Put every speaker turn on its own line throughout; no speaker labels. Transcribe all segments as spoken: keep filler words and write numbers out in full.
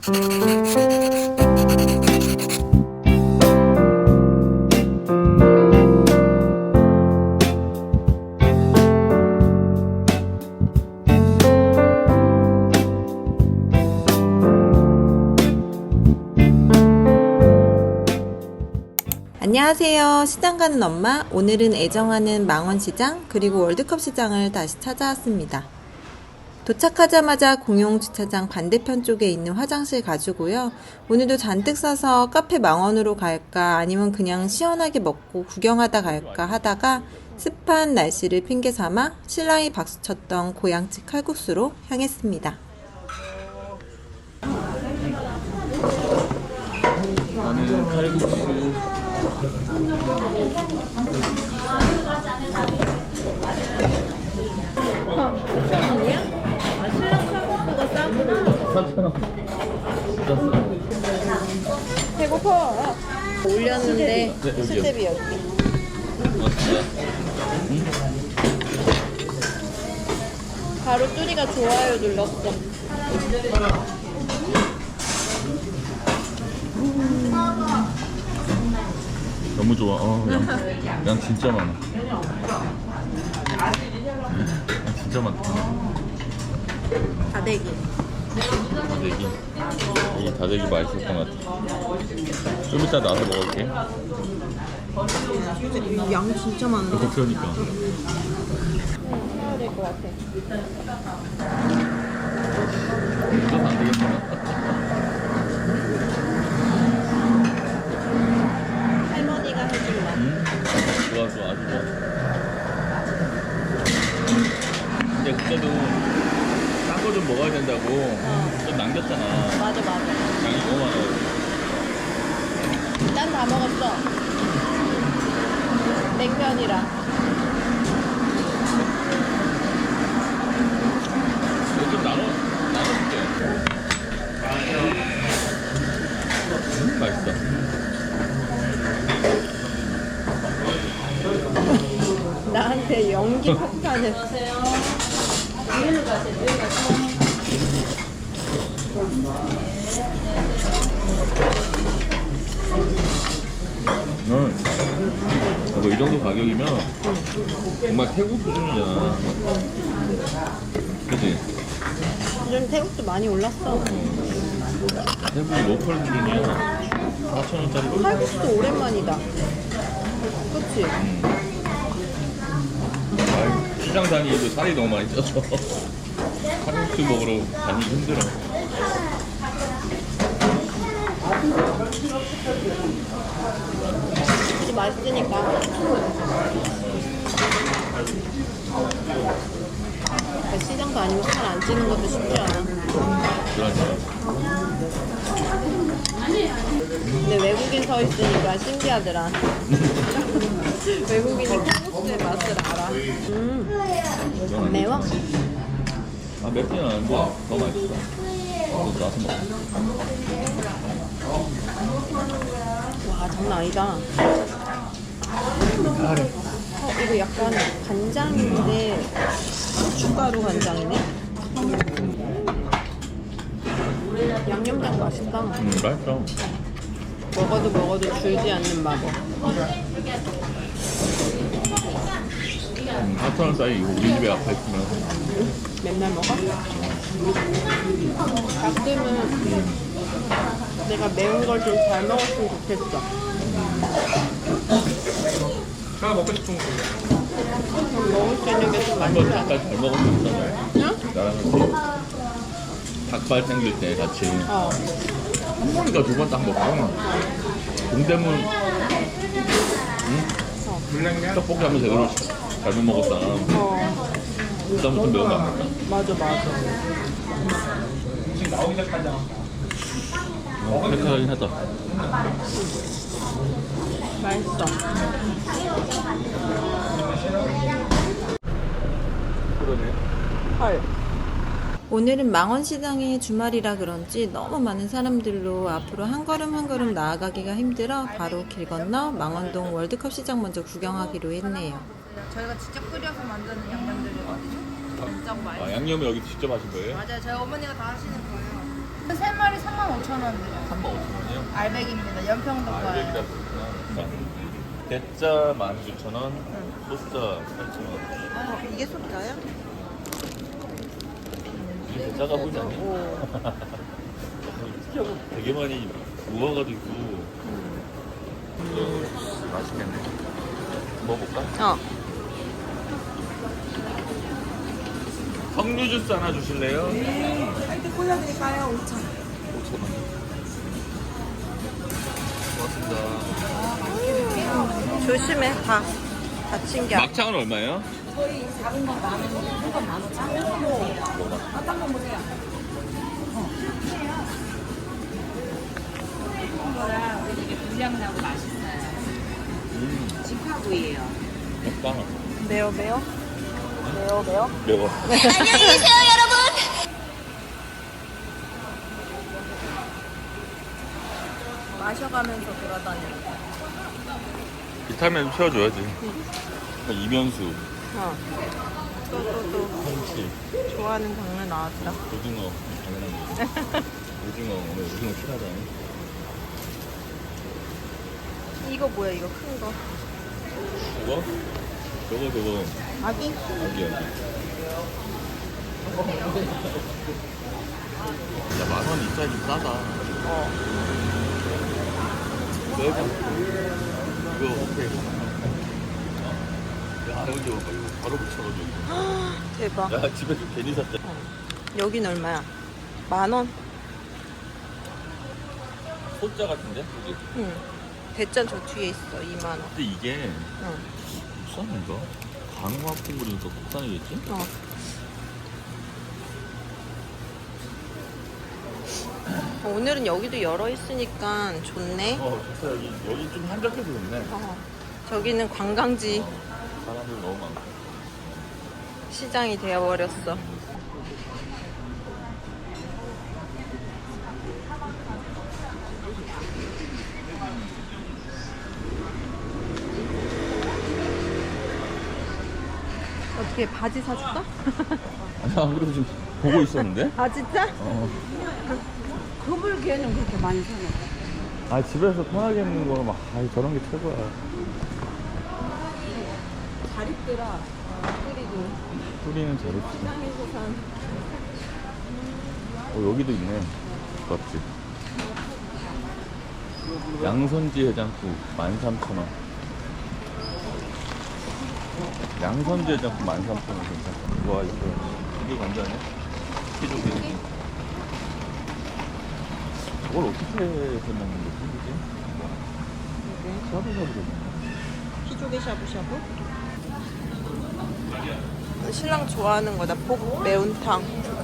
안녕하세요. 시장 가는 엄마. 오늘은 애정하는 망원시장 그리고 월드컵 시장을 다시 찾아왔습니다. 도착하자마자 공용주차장 반대편 쪽에 있는 화장실 가지고요. 오늘도 잔뜩 싸서 카페 망원으로 갈까 아니면 그냥 시원하게 먹고 구경하다 갈까 하다가 습한 날씨를 핑계 삼아 신랑이 박수쳤던 고향집 칼국수로 향했습니다.
나는 칼국수.
배고파. 올렸는데
네, 여기요.
수제비 여기.
응?
바로 뚜리가 좋아요 눌렀어.
너무 좋아. 어, 양, 양 진짜 많아. 양 진짜 많다.
다대기.
다대기. 이 다대기 맛있었던 것 같아. 좀 이따 나와서 먹을게.
양 진짜 많은데?
이거 그러니까.
응, 사야 될 것 같아.
이거 안 되겠다.
할머니가 해줄라.
응? 좋아, 좋아, 아주 좋아. 근데 그때도 딴 거 좀 먹어야 된다고
어.
좀 남겼잖아.
맞아 맞아.
양이 너무 많아.
난 다 먹었어. 냉면이랑.
이거 좀 나눠, 나눠줄게. 음, 맛있어.
나한테 연기 폭탄을.
응. 이거 이 정도 가격이면 정말 태국 수준이잖아. 그치?
요즘 태국도 많이 올랐어.
태국이 로컬 수준이야. 사천 원짜리.
칼국수도 오랜만이다. 그치?
아이, 시장 다니기도 살이 너무 많이 쪄서 칼국수 먹으러 다니기 힘들어.
진짜 맛있으니까. 시장도 아니면 살 안 찌는 것도 쉽지 않아.
그러니까.
근데 외국인 서 있으니까 신기하더라. 외국인이 칼국수의 맛을 알아. 음, 안 매워?
아, 맵지는 않은데 더 맛있어. 이거 나서 먹어.
와, 장난 아니다. 어, 이거 약간 간장인데 고춧가루 간장이네? 양념장 맛있다.
음, 맛있어.
먹어도 먹어도 줄지 않는 마법.
음, 사천 원짜리 이거 우리 집에 아파 있으면
맨날 먹어? 가끔은 내가 매운 걸 좀 잘 먹었으면 좋겠어.
제가 먹고 싶은 거.
그럼 먹을 수 있는 게 좀 많이
한번
나.
닭발 잘 먹었었잖아.
응?
나랑 같이 닭발 생길 때 같이
어.
한 번인가 두 번 딱 먹고 동대문 응?
물냉면?
떡볶이 하면 제대로 잘못 먹었다.
어.
그다음부터 매운 거 안 먹다.
맞아, 맞아.
지금 나오기 시작하자.
어, 팩하긴 하다.
맛있어.
그러네.
헐. 오늘은 망원시장의 주말이라 그런지 너무 많은 사람들로 앞으로 한 걸음 한 걸음 나아가기가 힘들어 바로 길 건너 망원동 월드컵 시장 먼저 구경하기로 했네요.
저희가 직접 끓여서 만드는 양념들이거든요. 진짜
아,
맛있어요.
양념을 여기 직접 하신 거예요?
맞아요. 저희 어머니가 다 하시는 거예요. 세 마리 삼만 오천 오천 원 드려요.
삼만 오천 원이요?
알백입니다. 연평도
알백이라
거예요.
그렇구나. 대짜 만 구천 원, 소자 팔천 원.
어, 이게 소자야?
이게 대짜가 보이지 않니? 특이하고 되게 많이 모아가지고 음, 맛있겠네. 먹어볼까?
어.
석류 주스 하나 주실래요?
화이트 콜라 드릴까요? 오천.
오천 원. 고맙습니다.
조심해, 다. 다친 게 아니야.
막창은 얼마예요?
저희 작은 건 만 원, 큰건 만 오천 원. 어떤 거 보세요? 이런 거랑 이게 분량 나고 맛있어요.
음,
직화구이에요.
맵다.
매워, 매워? 매워, 매워?
매워.
마셔가면서 돌아다녀.
비타민 채워줘야지. 이면수,
어. 또, 또, 또.
홍치,
좋아하는 장르 나왔다.
오징어. 당연한 거. 오징어, 오늘 오징어 필요하잖아.
이거 뭐야, 이거 큰 거.
저거? 저거, 저거.
아기?
여기, 여기. 야, 만 원 이짜리 싸다.
어.
내가 이거 오케이. 야, 여기 봐봐. 이거 바로 붙여가지고.
대박.
야, 집에서 괜히 샀다.
여긴 얼마야? 만 원?
소자 같은데? 여기.
응. 대짠 저 뒤에 있어, 이만 원.
근데 이게
응.
국산인가? 강화 콩물이니까 국산이겠지?
어. 오늘은 여기도 열어 있으니까 좋네.
어, 좋다. 여기, 여기 좀 한적해서 좋네.
어. 저기는 관광지
사람들 너무 많고.
시장이 되어버렸어. 어떻게 바지 사줄까?
아니, 안 그래도 지금 보고 있었는데?
아 진짜?
어.
그물개는 그렇게 많이 사요.
아, 집에서 편하게 입는 거는 막, 아 저런 게 최고야.
잘 입더라. 그리고
뿌리는 잘 입지.
시장에서 산
어, 여기도 있네. 맛집. 양선지 해장국 만 삼천 원. 양선지 해장국 만 삼천 원 괜찮다. 와, 이거 이게 감자네. 피조개. 저걸 어떻게 해서 먹는 거지? 그지? 샤브샤브도 있네.
피조개 샤브샤브? 신랑 좋아하는 거다. 복 매운탕.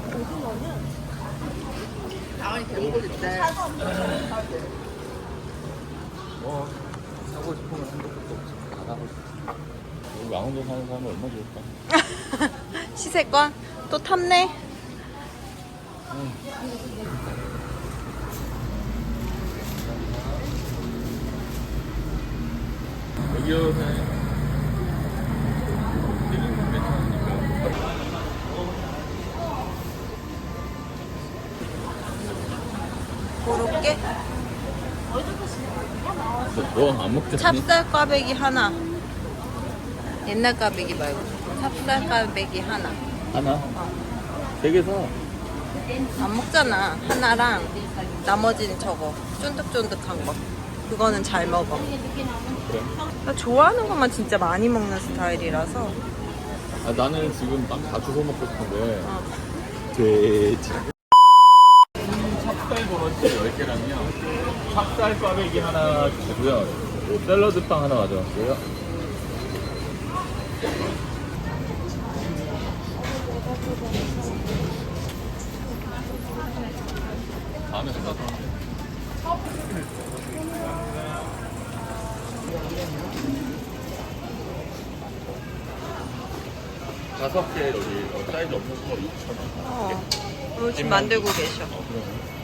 뭐 사고 싶으면 한 것도 없어. 다 사고 싶어. 여기 왕원동 사는 사람은 얼마나 좋을까?
시세권? 또 탔네?
여기요, 사장님. 되게 괜찮으니까.
고로케?
너안 먹잖니?
찹쌀 꽈배기 하나. 옛날 꽈배기 말고. 찹쌀 꽈배기 하나.
하나? 세 개 사.
안 먹잖아. 하나랑 나머지는 저거. 쫀득쫀득한 거. 그거는 잘 먹어.
그래.
나 좋아하는 것만 진짜 많이 먹는 스타일이라서.
아, 나는 지금 막 다 주워 먹고 싶은데.
어.
돼지. 찹쌀 버너치 열 개랑요. 찹쌀 꽈배기 하나 주고요. 샐러드 빵 하나 가져왔고요. 다음에 전화 또. 다섯 개 여기 어, 사이즈 엄청 커 육천 원.
어. 어, 지금 만들고 계셔.
어, 그러네.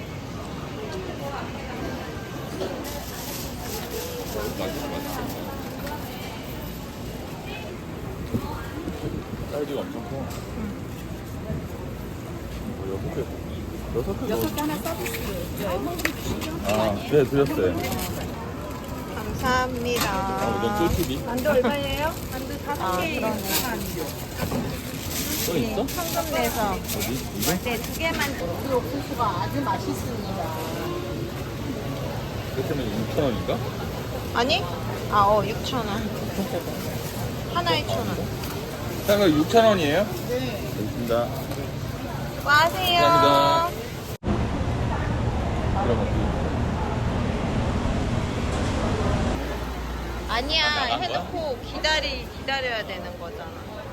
어, 맛있어, 맛있어. 사이즈가 엄청 커. 어, 여섯 개. 여섯 개
여섯 개
넣어.
하나 서비스.
아, 네, 드렸어요.
감사합니다.
아, 이건 꿀팁이.
만두 얼마예요? 만두 다섯
아,
개
그러네.
또 있어?
현금 내서.
어디? 이거?
네, 두 개만.
그 옥수수가 아주 맛있습니다.
그렇다면 육천 원인가?
아니? 아, 어, 육천 원. 하나에 천 원.
자, 그럼 육천 원이에요? 네. 알겠습니다.
수고하세요.
감사합니다. 그럼
아니야,
나간 거야?
해놓고 기다리, 기다려야 되는 거잖아.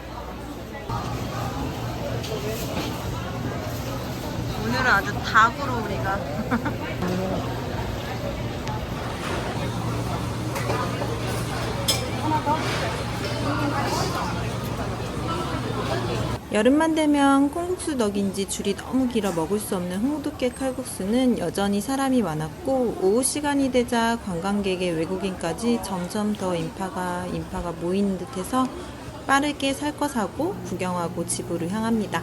오늘은 아주 닭으로 우리가. 여름만 되면 콩국수 덕인지 줄이 너무 길어 먹을 수 없는 홍두깨 칼국수는 여전히 사람이 많았고 오후 시간이 되자 관광객의 외국인까지 점점 더 인파가 인파가 모이는 듯해서 빠르게 살 거 사고 구경하고 집으로 향합니다.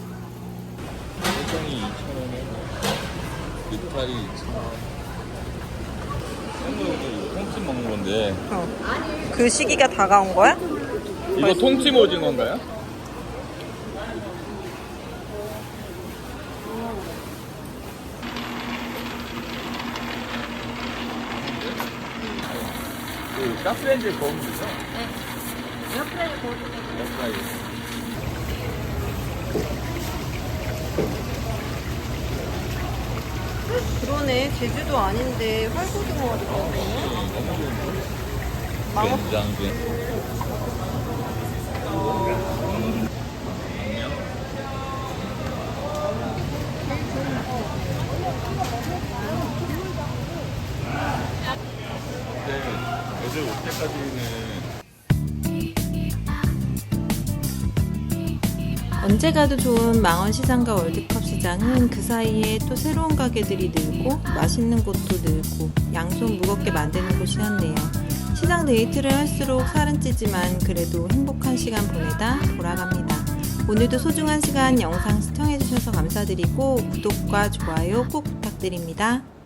설정이 이천 원에 육팔이 이천 원. 생각보다 통찜 먹는 건데
그 시기가 다가온 거야?
이거 통찜 오징어인가요? 그 가스레인지에 구우면 되죠? 네. 에어프라이어 구우면 돼요. 에어프라이어.
그러네. 제주도 아닌데 활고등어가 들어가네. 망어.
된장게. 네, 애들 올 때까지는
언제 가도 좋은 망원시장과 월드컵 시장은 그 사이에 또 새로운 가게들이 늘고 맛있는 곳도 늘고 양손 무겁게 만드는 곳이었네요. 시장 데이트를 할수록 살은 찌지만 그래도 행복한 시간 보내다 돌아갑니다. 오늘도 소중한 시간 영상 시청해주셔서 감사드리고 구독과 좋아요 꼭 부탁드립니다.